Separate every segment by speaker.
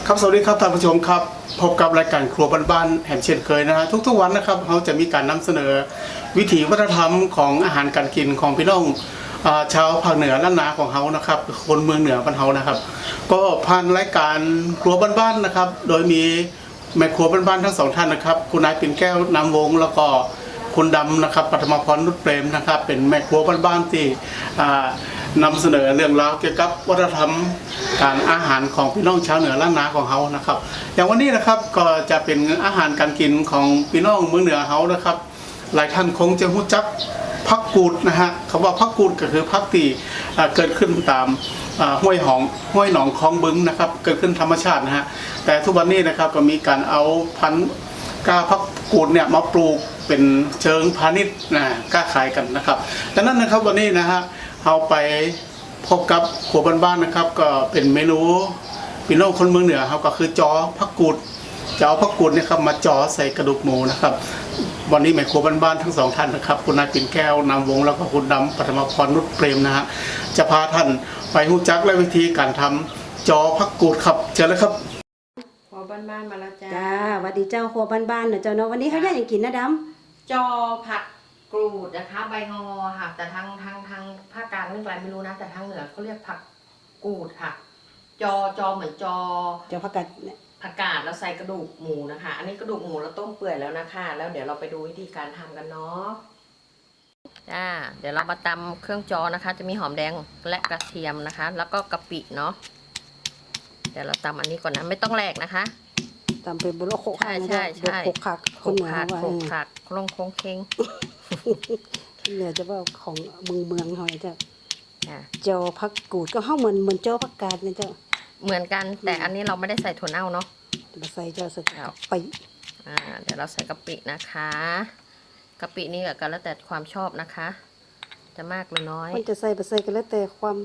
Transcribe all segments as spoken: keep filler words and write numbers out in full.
Speaker 1: ครับสวัสดีครับท่านผู้ชมครับพบกับรายการครัวบ้านๆแห่งเช่นเคยนะฮะทุกๆวันนะครับเขาจะมีการนำเสนอวิถีวัฒนธรรมของอาหารการกินของพี่น้องชาวภาคเหนือล้านนาของเขานะครับคนเมืองเหนือบ้านเขานะครับก็ผ่านรายการครัวบ้านๆนะครับโดยมีแม่ครัวบ้านๆทั้งสองท่านนะครับคุณนายปิ่นแก้วนามวงแล้วก็คุณดำนะครับปฐมพรนุชเปรมนะครับเป็นแม่ครัวบ้านๆที่นำเสนอเรื่องราวเกี่ยวกับวัฒนธรรมการอาหารของพี่น้องชาวเหนือล้านนาของเขานะครับอย่างวันนี้นะครับก็จะเป็นอาหารการกินของพี่น้องเมืองเหนือเขานะครับหลายท่านคงจะรู้จักผักกูดนะฮะคำว่าผักกูดก็คือผักที่เกิดขึ้นตามห้วยหองห้วยหนองคลองบึงนะครับเกิดขึ้นธรรมชาตินะฮะแต่ทุกวันนี้นะครับก็มีการเอาพันธุ์กล้าผักกูดเนี่ยมาปลูกเป็นเชิงพาณิชย์นะกล้าขายกันนะครับดังนั้นนะครับวันนี้นะฮะเราไปพบกับครัวบ้านๆนะครับก็เป็นเมนูพี่น้องคนเมืองเหนือครับก็คือจอผักกูดจะเอาผักกูดเนี่ยครับมาจอใส่กระดูกหมูนะครับวันนี้แม่ครัวบ้านๆทั้งสองท่านนะครับคุณนายปิ่นแก้วนามวงแล้วก็คุณดำปฐมพรนุชเปรมนะฮะจะพาท่านไปรู้จักและวิธีการทำจอผักกูดครับเชิญเลยครับ
Speaker 2: ครัวบ้านๆมาแล้วจ้า
Speaker 3: จ้าสวัสดีเจ้าครัวบ้านๆเนอะเจ้าเนาะวันนี้เขาอยากอย่างกินนะดำ
Speaker 2: จอผักกรูดนะคะใบงอค่ะแต่ทางทางทางภาคกลางเรื่องอะไรไม่รู้นะแต่ทางเหนือเขาเรียกผักกูดค่ะจอจอเหมือนจอ
Speaker 3: เจ้าผักกาด
Speaker 2: ผักกาดแล้วใส่กระดูกหมูนะคะอันนี้กระดูกหมูเราต้มเปื่อยแล้วนะคะแล้วเดี๋ยวเราไปดูวิธีการทำกันเนาะจ้าเดี๋ยวเรามาตำเครื่องจอนะคะจะมีหอมแดงและกระเทียมนะคะ แล้วก็กะปิเนาะเดี๋ยวเราตำอันนี้ก่อนนะไม่ต้องแหลกนะคะ
Speaker 3: ตำเป็นบุโรโคก
Speaker 2: ใช่ใช่ใช่
Speaker 3: โคกขักคนเหนือว่า
Speaker 2: โคกขักโคงโคงเคง
Speaker 3: เหนือจะว่าของเมืองเมืองเขาเจ้าเจ้าผักกูดก็เข้าเหมือนเหมือนเจ้าผักกาดเนี่ยเจ้า
Speaker 2: เหมือนกันแต่อันนี้เราไม่ได้ใส่ถั่วเน่าเนาะ
Speaker 3: มาใส่เจ้าใส่กะปิ
Speaker 2: อ่าเดี๋ยวเราใส่กะปินะคะกะปินี่ก็แล้วแต่ความชอบนะคะ จะมากหรือน้อย
Speaker 3: มันจะใส่ไปใส่กันแล้วแต่ความ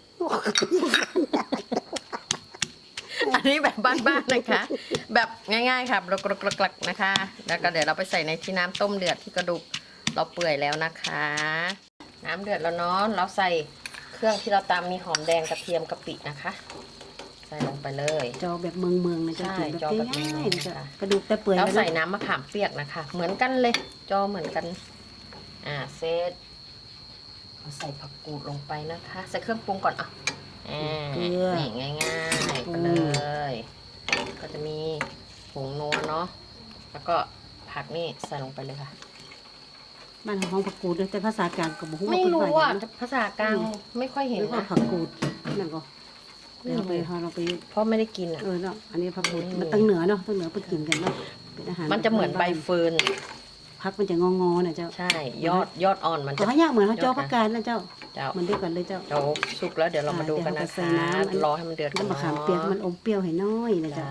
Speaker 2: อันนี้แบบบ้านๆนะคะ แบบง่ายๆค่ะกรกๆนะคะแล้วก็เดี๋ยวเราไปใส่ในที่น้ำต้มเดือดที่กระดูกเราเปื่อยแล้วนะคะ น้ำเดือดแล้วเนาะเราใส่เครื่องที่เราตามมีหอมแดงกระเทียมกะปินะคะใส่ลงไปเลย
Speaker 3: จอแบบเมืองเมืองนะ
Speaker 2: ใช่จอแบบง่ายๆนะคะ
Speaker 3: กระดูกแต่เปื่อย
Speaker 2: แล้วใส่น้ำมะขามเปียกนะคะเหมือนกันเลยจอเหมือนกันอ่าเซตเราใส่ผักกูดลงไปนะคะใส่เครื่องปรุงก่อนอ่ะอ่านี่ง่ายๆไปเลยก็จะมีผงนัวเนาะแล้วก็ผักนี่ใส่ลงไปเลยค่ะ
Speaker 3: มันของผักกูดแต่ภาษากลางกับบุ้ง
Speaker 2: ไม่รู้อ่ะภาษากลางไม่ค่อยเห็น
Speaker 3: นะผักกูดนั่นก็เราไปเราไป
Speaker 2: เพราะไม่ได้กินอ่ะ
Speaker 3: เออเนาะอันนี้ผักกูดมันตั้งเหนือเนาะตั้งเหนือไปกินกันเนาะ
Speaker 2: เป็นอาหารมันจะเหมือนใบเฟิร์น
Speaker 3: ผักมันจะงองๆนะเจ้า
Speaker 2: ใช่ยอดยอดอ่อนมัน
Speaker 3: จะยากเหมือนเขาเจ้าผักกาดนะเจ้ามันเดียวกันเลยเจ้า
Speaker 2: เดี๋ยวสุกแล้วเดี๋ยวเรามาดูกันนะคะรอให้มันเดือดก่อน
Speaker 3: น้ำมะขามเปียกมันอมเปรี้ยวให้น้อยนะเจ้า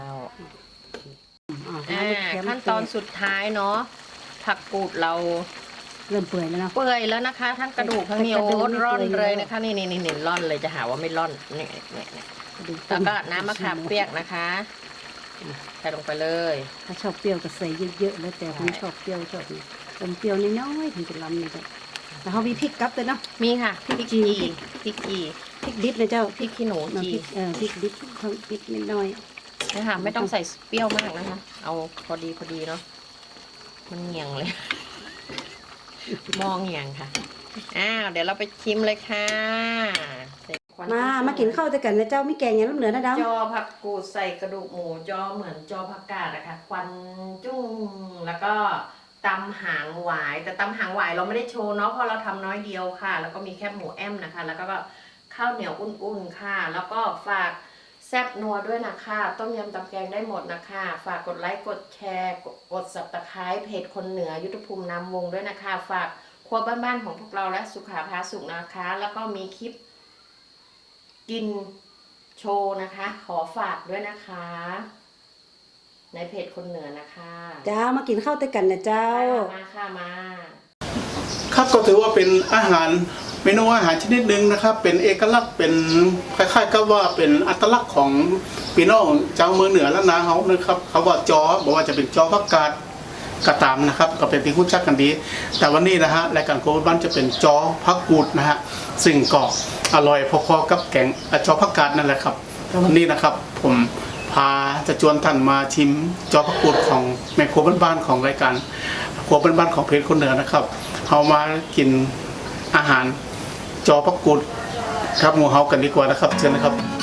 Speaker 2: ขั้นตอนสุดท้ายเนาะผักกูดเรา
Speaker 3: เริ่มเปื่อยแล้วนะ
Speaker 2: เปื่อยแล้วนะคะทั้งกระดูกทั้งเนื้อร่อนเลยนะคะนี่นี่นี่นี่ร่อนเลยจะหาว่าไม่ร่อนเนี่ยเนี่ยแล้วก็น้ำมะขามเปียกนะคะใส่ลงไปเลย
Speaker 3: ถ้าชอบเปรี้ยวก็ใส่เยอะๆแล้วแต่คนชอบเปรี้ยวชอบอมเปรี้ยวน้อยๆถึงจะล้ำเลยเจ้าแล้วเขามีพริกกับเลยเนาะ
Speaker 2: มีค่ะพริกจีพริกจี
Speaker 3: พริกดิบนะเจ้า
Speaker 2: พริกขี้หนูจี
Speaker 3: เออพริกดิบทั้งพริกน้อย
Speaker 2: นะคะไม่ต้องใส่เปรี้ยวมากนะคะเอาพอดีพอดีเนาะมันเหนียงเลยมองอย่างค่ะอ้าวเดี๋ยวเราไปชิมเลยค่ะ
Speaker 3: มามากินข้าวด้วยกันนะเจ้ามีแกงอย่างน้ำเหนือนะดำ
Speaker 2: จอผักกูดใส่กระดูกหมูจอเหมือนจอผักกาดนะคะควันจุ้งแล้วก็ตำหางหวายแต่ตำหางหวายเราไม่ได้โชว์เนาะเพราะเราทำน้อยเดียวค่ะแล้วก็มีแค่หมูแอมนะคะแล้วก็ข้าวเหนียวอุ่นๆค่ะแล้วก็ฝากแซ่บนัวด้วยนะคะต้มยำตำแกงได้หมดนะคะฝากกดไลค์กดแชร์กดสับตะไคร้เพจคนเหนือยุทธภูมินามวงด้วยนะคะฝากครัวบ้านๆของพวกเราและสุขาพาสุขนะคะแล้วก็มีคลิปกินโชว์นะคะขอฝากด้วยนะคะในเพจคนเหนือนะคะ
Speaker 3: จ้ามากินข้าวด้วยกันนะเจ้า
Speaker 2: มาค่ะมา
Speaker 1: ครับก็ถือว่าเป็นอาหารเมนูอาหารชนิดหนึ่งนะครับเป็นเอกลักษณ์เป็นคล้ายๆกับว่าเป็นอัตลักษณ์ของพี่น้องเจ้าเมืองเหนือและนาเขานะครับเขาว่าจอบอกว่าจะเป็นจอผักกาดกระตามนะครับก็เป็นที่คุ้นชักกันดีแต่วันนี้นะฮะรายการโควิดบ้านจะเป็นจอผักกูดนะฮะซึ่งก็อร่อยพอๆกับแกงจอผักกาดนั่นแหละครับแต่วันนี้นะครับผมพาจะชวนท่านมาชิมจอผักกูดของแม่ครัวบ้านๆของรายการครัวบ้านๆของเพจคนเหนือนะครับเอามากินอาหารจอผักกูดครับหมูเฮากันดีกว่านะครับเชิญนะครับ